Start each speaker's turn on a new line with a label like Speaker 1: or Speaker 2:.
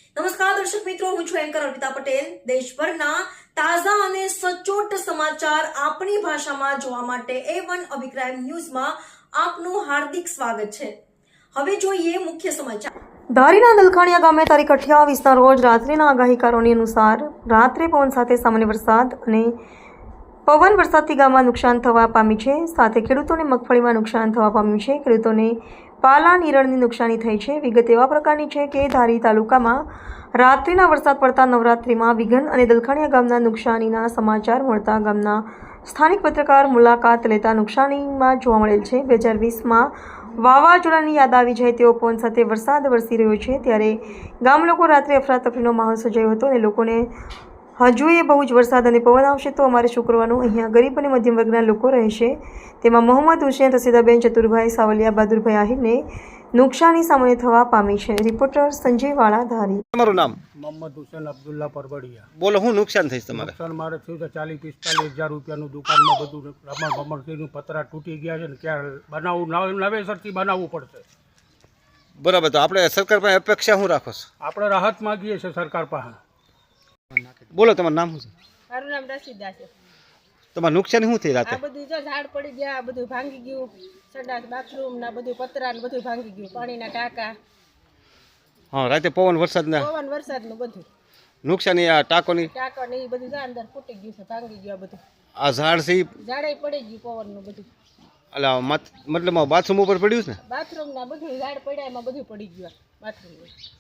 Speaker 1: નમસ્કાર દર્શક મિત્રો, હું છું એન્કર અર્પિતા પટેલ। દેશભરના તાજા અને સચોટ સમાચાર આપણી ભાષામાં જોવા માટે A1 અભિપ્રાય ન્યૂઝમાં આપનું હાર્દિક સ્વાગત છે। હવે જોઈએ મુખ્ય સમાચાર। ધારીના દલખાણીયા ગામે તારીખ 28ના રોજ રાત્રિના આગાહીકારોની અનુસાર રાત્રે પવન સાથે સામાન્ય વરસાદ અને પવન વરસાદથી ગામમાં નુકસાન થવા પામી છે, સાથે ખેડૂતોને મગફળીમાં નુકસાન થવા પામ્યું છે। ખેડૂતોને પાલા નીરણની નુકસાની થઈ છે। વિગત એવા પ્રકારની છે કે ધારી તાલુકામાં રાત્રિના વરસાદ પડતા નવરાત્રિમાં વિઘન અને દલખાણીયા ગામના નુકસાનીના સમાચાર મળતા ગામના સ્થાનિક પત્રકાર મુલાકાત લેતા નુકસાનીમાં જોવા મળેલ છે। 2020માં વાવાઝોડાની યાદ આવી જાય તેવો પવન સાથે વરસાદ વરસી રહ્યો છે, ત્યારે ગામ લોકો રાત્રે અફરાતફરીનો માહોલ સર્જાયો હતો અને લોકોને હજુ એ બહુ જ વરસાદ અને પવન આવશે તો અમારે શું કરવાનું, અહીંયા ગરીબ અને મધ્યમ વર્ગના લોકો રહેશે। તેમાં મોહમ્મદ હુસેન, રસીદાબેન, ચતુરભાઈ, સાવલિયા, બહાદુરભાઈ આહિરને નુકસાની સામે થવા પામી છે। રિપોર્ટર સંજય વાળા, ધારી।
Speaker 2: તમારું નામ?
Speaker 3: મોહમ્મદ હુસેન અબ્દુલ્લા પરબડિયા।
Speaker 2: બોલો, શું નુકસાન થઈશ તમારે?
Speaker 3: નુકસાન મારે થયું છે 40-45 હજાર રૂપિયાનું। દુકાનમાં બધું રમણ પતરા તૂટી ગયા છે ને ક્યાં બનાવવું, નવેસરથી બનાવવું પડશે।
Speaker 2: બરાબર, તો આપણે સરકાર પાસે અપેક્ષા શું રાખો છો?
Speaker 3: આપણે રાહત માગીએ છીએ સરકાર પાસે।
Speaker 2: બોલો, તમારું નામ શું છે?
Speaker 4: મારું નામ રસીદા છે।
Speaker 2: તમારે નુકસાન શું થઈ
Speaker 4: આ
Speaker 2: રાતે?
Speaker 4: બધું જો ઝાડ પડી ગયા, આ બધું ભાંગી ગયું, સંડાસ બાથરૂમ ના બધું પતરા ને બધું ભાંગી ગયું, પાણીના ટાંકા,
Speaker 2: હા, રાતે પવન વરસાદના
Speaker 4: પવન વરસાદનું બધું
Speaker 2: નુકસાની, આ ટાંકોની
Speaker 4: ટાંકા ને એ બધું અંદર ફૂટી ગયું છે, ભાંગી ગયું, આ બધું
Speaker 2: આ ઝાડ છે
Speaker 4: ઝાડે પડી ગયું પવનનું બધું,
Speaker 2: એટલે મતલબ બાથરૂમ ઉપર પડ્યું છે ને?
Speaker 4: બાથરૂમ ના બધું ઝાડ પડ્યા એમાં બધું પડી ગયું બાથરૂમ।